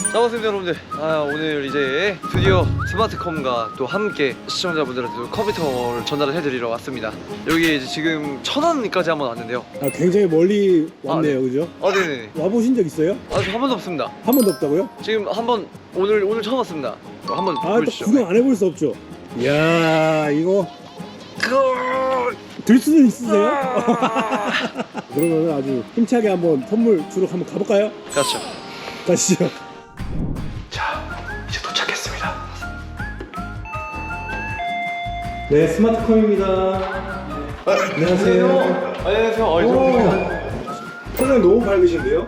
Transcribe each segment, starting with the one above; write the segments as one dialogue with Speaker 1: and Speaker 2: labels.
Speaker 1: 반갑습니다 여러분들. 오늘 이제 드디어 스마트컴과 또 함께 시청자분들한테 컴퓨터를 전달을 해드리러 왔습니다. 여기 이제 지금 천안까지 한번 왔는데요.
Speaker 2: 굉장히 멀리 왔네요,
Speaker 1: 네.
Speaker 2: 그죠?
Speaker 1: 네네.
Speaker 2: 와보신 적 있어요?
Speaker 1: 아직 한 번도 없습니다.
Speaker 2: 한 번도 없다고요?
Speaker 1: 지금 한번 오늘 처음 왔습니다. 한번
Speaker 2: 또
Speaker 1: 보여주시죠.
Speaker 2: 구경 안 해볼 수 없죠. 이야, 이거 들 수는 있으세요? 그러면 아주 힘차게 한번 선물 주러 한번 가볼까요?
Speaker 1: 그렇죠.
Speaker 2: 가시죠.
Speaker 1: 자, 이제 도착했습니다.
Speaker 2: 네, 스마트컴입니다. 안녕하세요.
Speaker 1: 안녕하세요.
Speaker 2: 표정 너무 밝으신데요?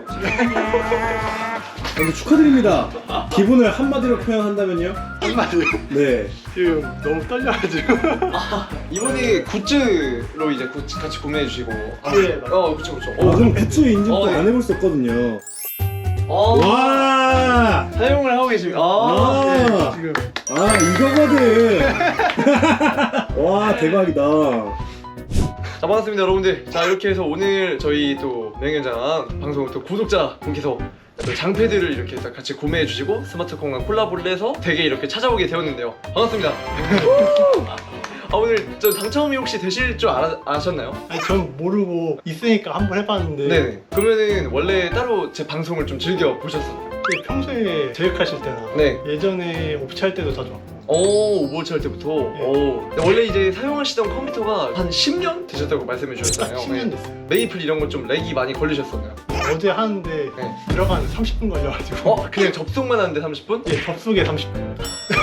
Speaker 2: 먼저 축하드립니다. 기분을 한마디로 표현한다면요?
Speaker 3: 한마디로
Speaker 2: 네.
Speaker 3: 지금 너무 떨려가지고.
Speaker 1: 이번에 굿즈로 이제 같이 구매해 주시고.
Speaker 3: 네, 맞아요.
Speaker 1: 그쵸.
Speaker 2: 그럼 굿즈 인증도
Speaker 1: 네.
Speaker 2: 안 해볼 수 없거든요.
Speaker 1: 와.
Speaker 2: 와!
Speaker 1: 사용을 하고 계십니다.
Speaker 2: 아,
Speaker 3: 지금
Speaker 2: 이거거든. 와, 대박이다.
Speaker 1: 자, 반갑습니다 여러분들. 자, 이렇게 해서 오늘 저희 또 명예장 방송 또 구독자 분께서 또 장패들을 이렇게 딱 같이 구매해 주시고 스마트콘과 콜라보를 해서 댁에 이렇게 찾아오게 되었는데요. 반갑습니다. 오늘 저 당첨이 혹시 되실 줄 아셨나요?
Speaker 3: 아니 전 모르고 있으니까 한번 해봤는데.
Speaker 1: 네. 그러면은 원래 따로 제 방송을 좀 즐겨 보셨었나요?
Speaker 3: 평소에 제획하실 때나
Speaker 1: 네.
Speaker 3: 예전에 옵치 할 때도 자주 왔고.
Speaker 1: 오버워치 할 때부터.
Speaker 3: 네.
Speaker 1: 근데 원래 이제 사용하시던 컴퓨터가 한 10년 되셨다고 말씀해
Speaker 3: 딱
Speaker 1: 주셨잖아요.
Speaker 3: 10년
Speaker 1: 네.
Speaker 3: 됐어요.
Speaker 1: 메이플 이런 건 좀 렉이 많이 걸리셨었나요?
Speaker 3: 어제 하는데
Speaker 1: 네.
Speaker 3: 들어가는 30분 걸려가지고.
Speaker 1: 그냥 접속만 하는데 30분?
Speaker 3: 예, 접속에 30분.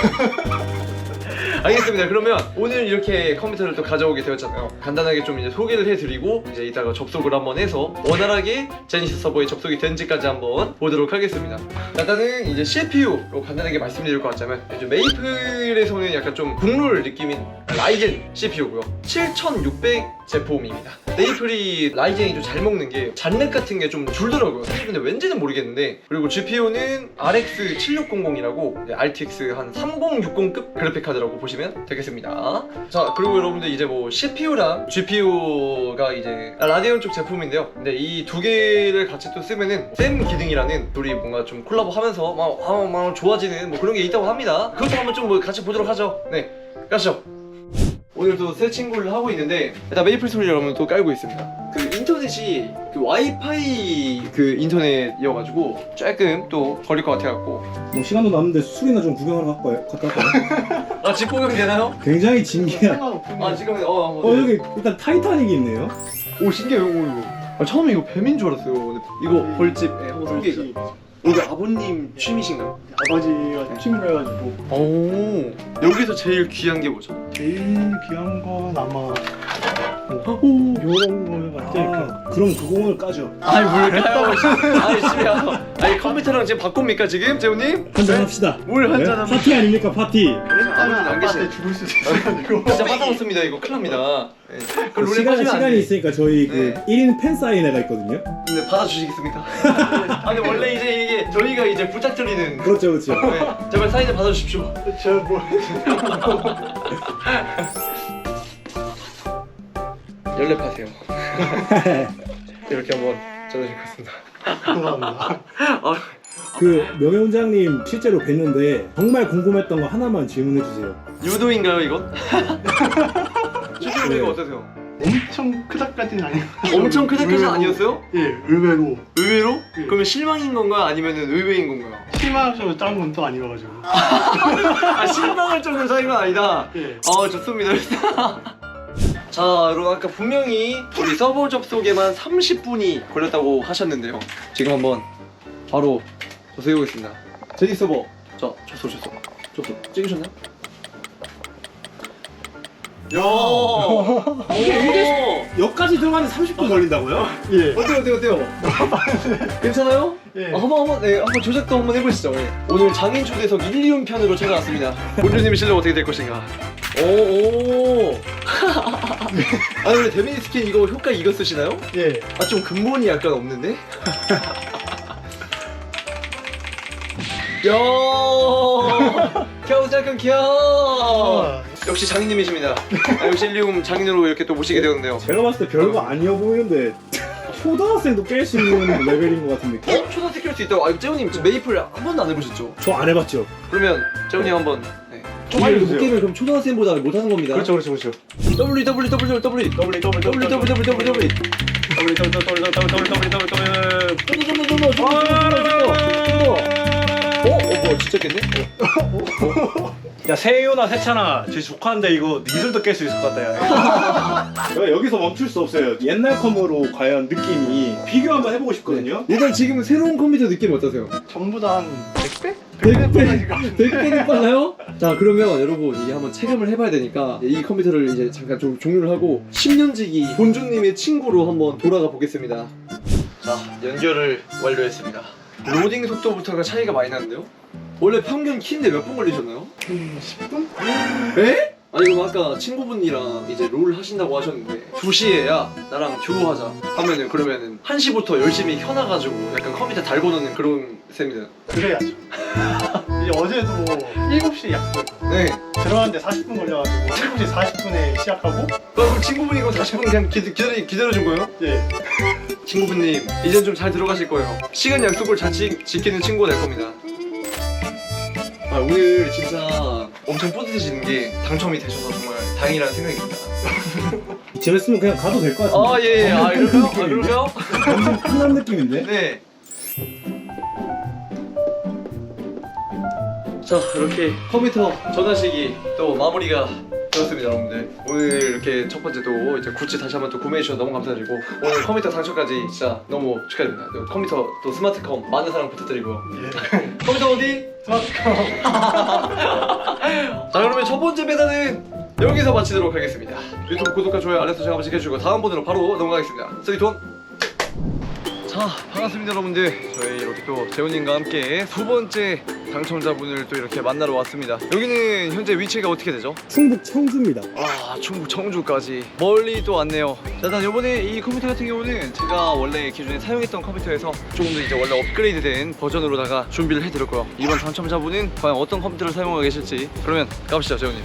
Speaker 1: 알겠습니다. 그러면 오늘 이렇게 컴퓨터를 또 가져오게 되었잖아요. 간단하게 좀 이제 소개를 해드리고 이제 이따가 접속을 한번 해서 원활하게 제니시스 서버에 접속이 된지까지 한번 보도록 하겠습니다. 일단은 이제 CPU로 간단하게 말씀드릴 것 같자면 이제 메이플에서는 약간 좀 국룰 느낌인 라이젠 CPU고요. 7600 제품입니다. 메이플이 라이젠이 좀 잘 먹는 게 잔넷 같은 게 좀 줄더라고요. 사실 근데 왠지는 모르겠는데. 그리고 GPU는 RX 7600이라고 RTX 한 3060급 그래픽 카드라고 보시면 되겠습니다. 자, 그리고 여러분들 이제 뭐 CPU랑 GPU가 이제 라데온 쪽 제품인데요. 근데 이 두 개를 같이 또 쓰면은 샘 기능이라는 둘이 뭔가 좀 콜라보하면서 막 좋아지는 뭐 그런 게 있다고 합니다. 그것도 한번 좀 뭐 같이 보도록 하죠. 네, 가시죠. 오늘도 새 친구를 하고 있는데 일단 메이플 소리를 여러분 또 깔고 있습니다. 그 인터넷이 그 와이파이 그 인터넷이어가지고 조금 또 걸릴 것 같아갖고.
Speaker 2: 뭐 시간도 남는데 술이나 좀 구경하러 갔다 올까요?
Speaker 1: 집 구경 되나요?
Speaker 2: 굉장히 진기한.
Speaker 3: 상관없군요.
Speaker 1: 지금 네.
Speaker 2: 여기 일단 타이타닉이 있네요.
Speaker 1: 오, 신기해요. 이거. 처음에 이거 뱀인 줄 알았어요. 근데 이거 벌집 한번 소개.
Speaker 3: 그렇지.
Speaker 1: 이거 아버님 취미신가요?
Speaker 3: 아버지가 취미로 해가지고.
Speaker 1: 오, 여기서 제일 귀한 게 뭐죠?
Speaker 3: 제일 귀한 건 아마
Speaker 1: 오,
Speaker 3: 요런 거 같지?
Speaker 2: 그럼 그거 오늘 까죠.
Speaker 1: 아이 뭘 까요? 아이 집에 와서. 아니 컴퓨터랑 지금 바꿉니까 지금 재훈님?
Speaker 2: 한잔 합시다.
Speaker 1: 뭘 한잔 합니까?
Speaker 2: 파티 아닙니까, 파티?
Speaker 3: 그래서
Speaker 1: 아버지는 안
Speaker 3: 아빠한테
Speaker 1: 계시네.
Speaker 3: 죽을 수도 있어가지고.
Speaker 1: 진짜 화장했습니다. 이거 큰일 납니다. 네. 그럼 룰에 빠지면 안
Speaker 2: 시간이
Speaker 1: 돼.
Speaker 2: 있으니까 저희
Speaker 1: 네.
Speaker 2: 그 1인 팬 사인회가 있거든요.
Speaker 1: 근데 받아주시겠습니까? 아니 원래 이제 이게 저희가 이제 부탁드리는.
Speaker 2: 그렇죠, 그렇죠.
Speaker 1: 네, 제발 사인을 받아주십시오.
Speaker 3: 제가 뭐
Speaker 1: 연랩하세요. 이렇게 한번 전해줄 것 같습니다.
Speaker 3: 감사합니다.
Speaker 2: 그 명예원장님 실제로 뵀는데 정말 궁금했던 거 하나만 질문해 주세요.
Speaker 1: 유도인가요 이건? 실제로
Speaker 2: 네.
Speaker 1: 이거 어떠세요?
Speaker 3: 엄청 크다까지는 아니고.
Speaker 1: 엄청 크다까지 아니었어요?
Speaker 3: 예, 의외로.
Speaker 1: 의외로?
Speaker 3: 네.
Speaker 1: 그러면 실망인 건가요? 아니면은 의외인 건가요?
Speaker 3: 실망하셔서 짠 건 또 아니어가지고.
Speaker 1: 실망할 정도로 차이건 아니다.
Speaker 3: 예.
Speaker 1: 좋습니다. 자, 여러분 아까 분명히 우리 서버 접속에만 30분이 걸렸다고 하셨는데요. 지금 한번 바로 접속해보겠습니다. 제니 서버. 자, 접속 찍으셨나요? 야, 이게
Speaker 2: 여기까지 들어가는데 30분 걸린다고요?
Speaker 3: 예.
Speaker 1: 어때요? 괜찮아요?
Speaker 3: 예.
Speaker 1: 한번 조작도 한번 해보시죠. 예. 오늘 장인 초대석 1, 2운 편으로 찾아왔습니다. 본주님의 실력 어떻게 될 것인가? 오. 근데 데미니 스킨 이거 효과 이거 쓰시나요?
Speaker 3: 예.
Speaker 1: 좀 근본이 약간 없는데? 야, 겨우 잠깐 겨. 역시 장인님이십니다. 역시 1, 2운 장인으로 이렇게 또 모시게 되었는데요.
Speaker 2: 제가 봤을 때 별거 아니어 보이는데 초등학생도 깰 수 있는 레벨인 것 같은 느낌?
Speaker 1: 초등학생 깰 수 있다고? 아, 재훈님 지금 메이플 한 번도 안 해보셨죠?
Speaker 2: 저 안 해봤죠.
Speaker 1: 그러면 재훈님 한번. 네.
Speaker 3: 좀 알려주세요.
Speaker 1: 못 깨면 그럼 초등학생보다 못하는 겁니다.
Speaker 3: 그렇죠.
Speaker 1: 뭐 진짜 깼네?
Speaker 3: 야 세윤아 세찬아 제 조카인데 이거 니들도 깰 수 있을 것 같다 야.
Speaker 2: 제가 여기서 멈출 수 없어요. 옛날 컴으로 과연 느낌이 비교 한번 해보고 싶거든요.
Speaker 1: 일단 지금 새로운 컴퓨터 느낌 어떠세요?
Speaker 3: 전부 다 한 100배?
Speaker 1: 100배는 빨라요? 자, 그러면 여러분 이게 한번 체감을 해봐야 되니까 이 컴퓨터를 이제 잠깐 좀 종료를 하고 10년지기 본주님의 친구로 한번 돌아가 보겠습니다. 자, 연결을 완료했습니다. 로딩 속도부터가 차이가 많이 나는데요? 원래 평균 키인데 몇 분 걸리셨나요?
Speaker 3: 10분?
Speaker 1: 에? 아니 그럼 아까 친구분이랑 이제 롤 하신다고 하셨는데 2시에 야 나랑 듀오하자 하면은 그러면은 1시부터 열심히 켜놔가지고 약간 컴퓨터 달고 노는 그런 셈이잖아.
Speaker 3: 그래야죠. 이제 어제도 7시에 약속했거든요.
Speaker 1: 네.
Speaker 3: 들어갔는데 40분 걸려가지고 7시 40분에 시작하고
Speaker 1: 그럼 친구분이 이거 40분 그냥 기다려준 거예요?
Speaker 3: 예.
Speaker 1: 친구분님 이젠 좀 잘 들어가실 거예요. 시간 약속을 잘 지키는 친구가 될 겁니다. 아, 오늘 진짜 엄청 뿌듯해지는 게 당첨이 되셔서 정말 다행이라는 생각이 듭니다.
Speaker 2: 이쯤 했으면 그냥 가도 될 것 같은데.
Speaker 1: 아, 예, 예. 아, 그럴까요? 아, 그럴까요?
Speaker 2: 완전 끝난 느낌인데?
Speaker 1: 네. 자, 이렇게 컴퓨터 전화식이 또 마무리가 되었습니다, 여러분들. 오늘 이렇게 첫 번째 또 이제 굿즈 다시 한번 또 구매해 주셔서 너무 감사드리고 오늘 컴퓨터 당첨까지 진짜 너무 축하드립니다. 컴퓨터 또 스마트컴 많은 사랑 부탁드리고요.
Speaker 3: 예.
Speaker 1: 컴퓨터 어디?
Speaker 3: 스마트폰.
Speaker 1: 자, 그러면 첫 번째 배달은 여기서 마치도록 하겠습니다. 유튜브 구독과 좋아요, 알람 설정 한번 시켜주시고 다음 번으로 바로 넘어가겠습니다. 3, 2, 1. 자, 반갑습니다 여러분들. 저희 이렇게 또 재훈님과 함께 두 번째 당첨자분을 또 이렇게 만나러 왔습니다. 여기는 현재 위치가 어떻게 되죠?
Speaker 2: 충북 청주입니다.
Speaker 1: 아, 충북 청주까지 멀리 또 왔네요. 자, 일단 이번에 이 컴퓨터 같은 경우는 제가 원래 기존에 사용했던 컴퓨터에서 조금 더 이제 원래 업그레이드된 버전으로다가 준비를 해드렸고요. 이번 당첨자분은 과연 어떤 컴퓨터를 사용하고 계실지 그러면 가보시죠, 재훈님.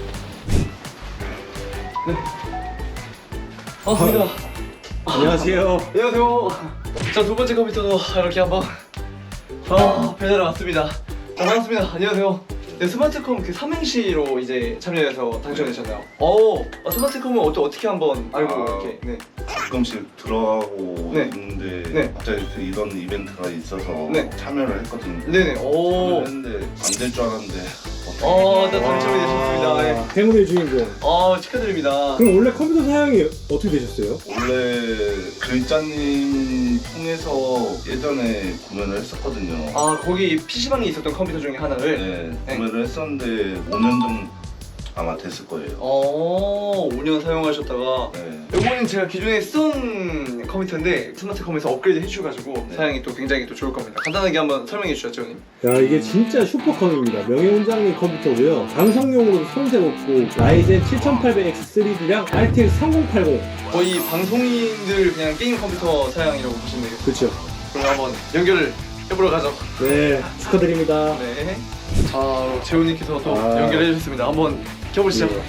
Speaker 1: 네. 반갑습니다.
Speaker 2: 안녕하세요.
Speaker 1: 안녕하세요. 자, 두 번째 컴퓨터도 이렇게 한번 배달을 왔습니다. 자, 반갑습니다. 안녕하세요. 네, 스마트컴 그 삼행시로 이제 참여해서 당첨되셨나요? 스마트컴은 어떻게 한번 알고 이렇게 네.
Speaker 4: 가끔씩 들어가고
Speaker 1: 네.
Speaker 4: 있는데
Speaker 1: 네.
Speaker 4: 갑자기 그 이런 이벤트가 있어서
Speaker 1: 네.
Speaker 4: 참여를 했거든요.
Speaker 1: 네네. 오.
Speaker 4: 참여를 했는데 안 될 줄 알았는데
Speaker 1: 네, 당첨이 되셨습니다. 네.
Speaker 2: 행운의 주인공.
Speaker 1: 축하드립니다.
Speaker 2: 그럼 원래 컴퓨터 사양이 어떻게 되셨어요?
Speaker 4: 원래 글자님 통해서 예전에 구매를 했었거든요.
Speaker 1: 거기 PC방에 있었던 컴퓨터 중에 하나를
Speaker 4: 네, 구매를 했었는데 5년 정도 아마 됐을 거예요.
Speaker 1: 5년 사용하셨다가
Speaker 4: 네.
Speaker 1: 이거는 제가 기존에 쓰던 컴퓨터인데 스마트컴에서 업그레이드 해주셔가지고
Speaker 4: 네.
Speaker 1: 사양이 또 굉장히 또 좋을 겁니다. 간단하게 한번 설명해 주시죠, 재훈님.
Speaker 2: 야, 이게 진짜 슈퍼컴입니다. 명예훈장님 컴퓨터고요. 방송용으로 손색 없고 라이젠 7800X3D랑 RTX 3080.
Speaker 1: 거의 방송인들 그냥 게임 컴퓨터 사양이라고 보시면 되겠습니다.
Speaker 2: 그렇죠.
Speaker 1: 그럼 한번 연결을 해보러 가죠.
Speaker 2: 네, 축하드립니다.
Speaker 1: 네. 자, 재훈님께서 또
Speaker 2: 아.
Speaker 1: 연결해 주셨습니다. 한번 켜보시죠.
Speaker 2: 네.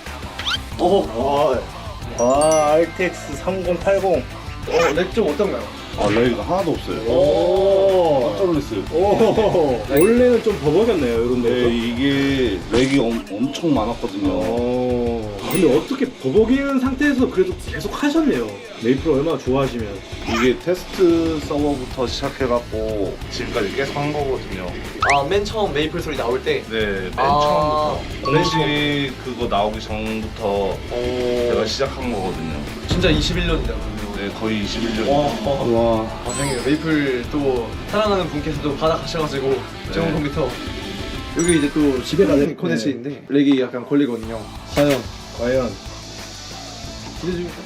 Speaker 3: RTX 3080.
Speaker 1: 렉 좀 어떤가요?
Speaker 4: 아, 렉이 하나도 없어요.
Speaker 2: 오.
Speaker 4: 깜짝 놀랐어요.
Speaker 2: 오. 원래는 좀 버벅였네요, 이런 데서.
Speaker 4: 네, 이게 렉이 엄청 많았거든요.
Speaker 2: 근데 어떻게 버벅이는 상태에서 그래도 계속 하셨네요. 메이플 얼마나 좋아하시면.
Speaker 4: 이게 테스트 서버부터 시작해갖고 지금까지 계속 한 거거든요.
Speaker 1: 맨 처음 메이플 소리 나올 때.
Speaker 4: 네, 맨
Speaker 1: 아,
Speaker 4: 처음부터 공식 그거 나오기 전부터 제가 시작한 거거든요.
Speaker 1: 진짜 21년이다.
Speaker 4: 네, 거의 21년.
Speaker 2: 와.
Speaker 1: 다행이에요. 메이플 또 사랑하는 분께서도 받아가셔가지고 좋은 컴퓨터. 여기 이제 또
Speaker 2: 집에다 내-
Speaker 1: 코네츠인데 렉이 약간 걸리거든요.
Speaker 2: 과연.
Speaker 1: 기대 중입니다.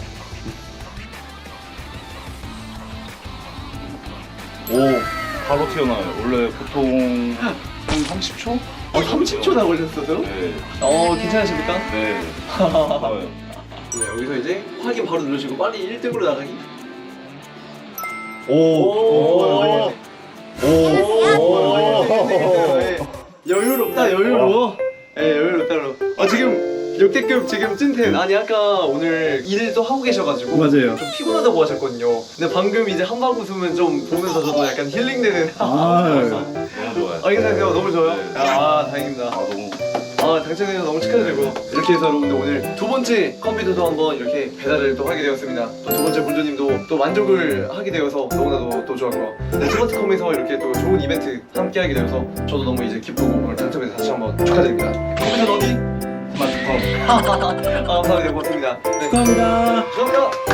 Speaker 4: 오, 바로 튀어나와요. 원래 보통 한 30초?
Speaker 1: 30초나 걸렸어요?
Speaker 4: 네.
Speaker 1: 괜찮으십니까?
Speaker 4: 네. 좋아요.
Speaker 1: 네, 여기서 이제 확인 바로 누르시고 빨리 1등으로 나가기.
Speaker 4: 오,
Speaker 1: 여유롭다, 여유로워. 예, 여유롭다, 여유로워. 지금 역대급 지금 찐텐. 아니 아까 오늘 일도 하고 계셔가지고
Speaker 2: 맞아요.
Speaker 1: 좀 피곤하다고 하셨거든요. 근데 방금 이제 한방 웃음은 좀 보면서 저도 약간 힐링되는.
Speaker 2: 아,
Speaker 4: 너무 좋아요.
Speaker 1: 괜찮으세요? 너무 좋아요?
Speaker 4: 네.
Speaker 1: 아 다행입니다.
Speaker 4: 너무
Speaker 1: 당첨돼서 너무 축하드리고 이렇게 해서 여러분들 오늘 두 번째 컴퓨터도 한번 이렇게 배달을 또 하게 되었습니다. 또 두 번째 본주님도 또 만족을 하게 되어서 너무나도 또 좋았고요. 네, 두 번째 컴에서 이렇게 또 좋은 이벤트 함께 하게 되어서 저도 너무 이제 기쁘고 오늘 당첨해서 다시 한번 축하드립니다. 컴퓨터 어디?
Speaker 4: 스마트폰.
Speaker 1: 감사합니다. 고맙습니다. 네,
Speaker 2: 축하합니다.
Speaker 1: 감사합니다.